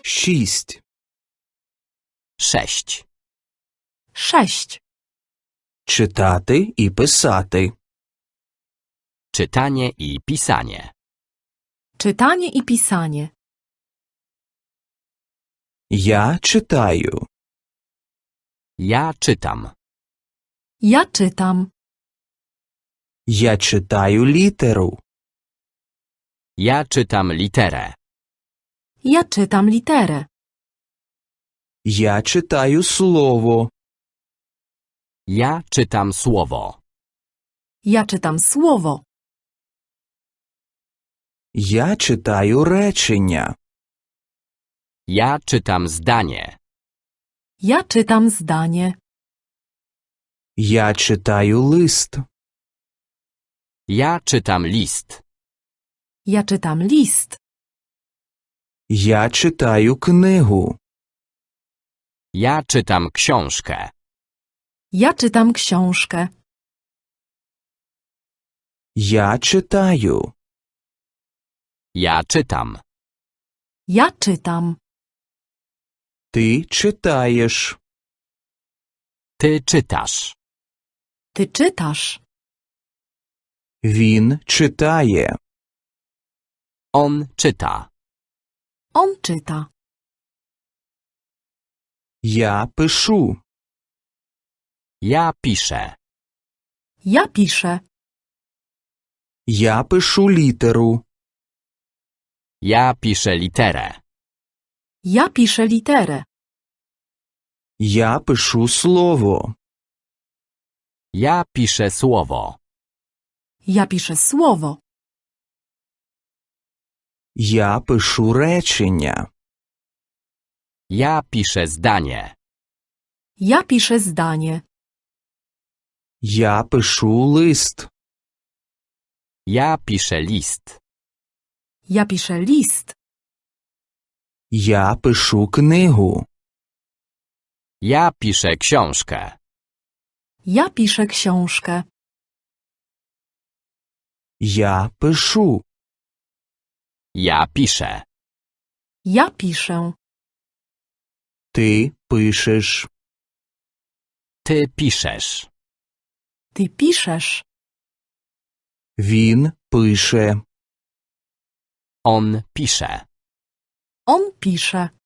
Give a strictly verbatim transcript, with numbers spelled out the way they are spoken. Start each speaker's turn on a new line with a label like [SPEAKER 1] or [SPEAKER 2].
[SPEAKER 1] Шість.
[SPEAKER 2] Sześć.
[SPEAKER 3] Sześć.
[SPEAKER 1] Читати і писати.
[SPEAKER 2] Czytanie i pisanie.
[SPEAKER 3] Czytanie i pisanie.
[SPEAKER 1] Я читаю.
[SPEAKER 2] Ja czytam.
[SPEAKER 3] Ja czytam.
[SPEAKER 1] Я читаю літеру.
[SPEAKER 2] Ja czytam literę.
[SPEAKER 3] Ja czytam literę.
[SPEAKER 1] Я читаю слово.
[SPEAKER 2] Ja czytam słowo.
[SPEAKER 3] Ja czytam słowo.
[SPEAKER 1] Я читаю речення.
[SPEAKER 2] Ja czytam zdanie.
[SPEAKER 3] Ja czytam zdanie.
[SPEAKER 1] Я читаю лист.
[SPEAKER 2] Ja czytam list.
[SPEAKER 3] Ja czytam list.
[SPEAKER 1] Я читаю книгу.
[SPEAKER 2] Ja czytam książkę.
[SPEAKER 3] Ja czytam książkę.
[SPEAKER 1] Я читаю.
[SPEAKER 2] Ja czytam.
[SPEAKER 3] Ja czytam.
[SPEAKER 1] Ти читаєш.
[SPEAKER 2] Ty czytasz.
[SPEAKER 3] Ty czytasz.
[SPEAKER 1] Він читає.
[SPEAKER 2] On czyta.
[SPEAKER 3] On czyta.
[SPEAKER 1] Я пишу.
[SPEAKER 2] Ja piszę.
[SPEAKER 3] Ja piszę.
[SPEAKER 1] Я пишу літеру.
[SPEAKER 2] Ja piszę literę.
[SPEAKER 3] Ja piszę literę.
[SPEAKER 1] Я пишу слово.
[SPEAKER 2] Ja piszę słowo.
[SPEAKER 3] Ja piszę słowo.
[SPEAKER 1] Я пишу речення.
[SPEAKER 2] Ja piszę zdanie.
[SPEAKER 3] Ja piszę zdanie.
[SPEAKER 1] Я пишу лист.
[SPEAKER 2] Ja piszę list.
[SPEAKER 3] Ja piszę list.
[SPEAKER 1] Я пишу книгу.
[SPEAKER 2] Ja piszę książkę.
[SPEAKER 3] Ja piszę książkę.
[SPEAKER 1] Я пишу.
[SPEAKER 2] Ja piszę.
[SPEAKER 3] Ja piszę.
[SPEAKER 1] Ти пишеш.
[SPEAKER 2] Ty piszesz.
[SPEAKER 3] Ty piszesz.
[SPEAKER 1] Він пише.
[SPEAKER 2] On pisze.
[SPEAKER 3] On pisze.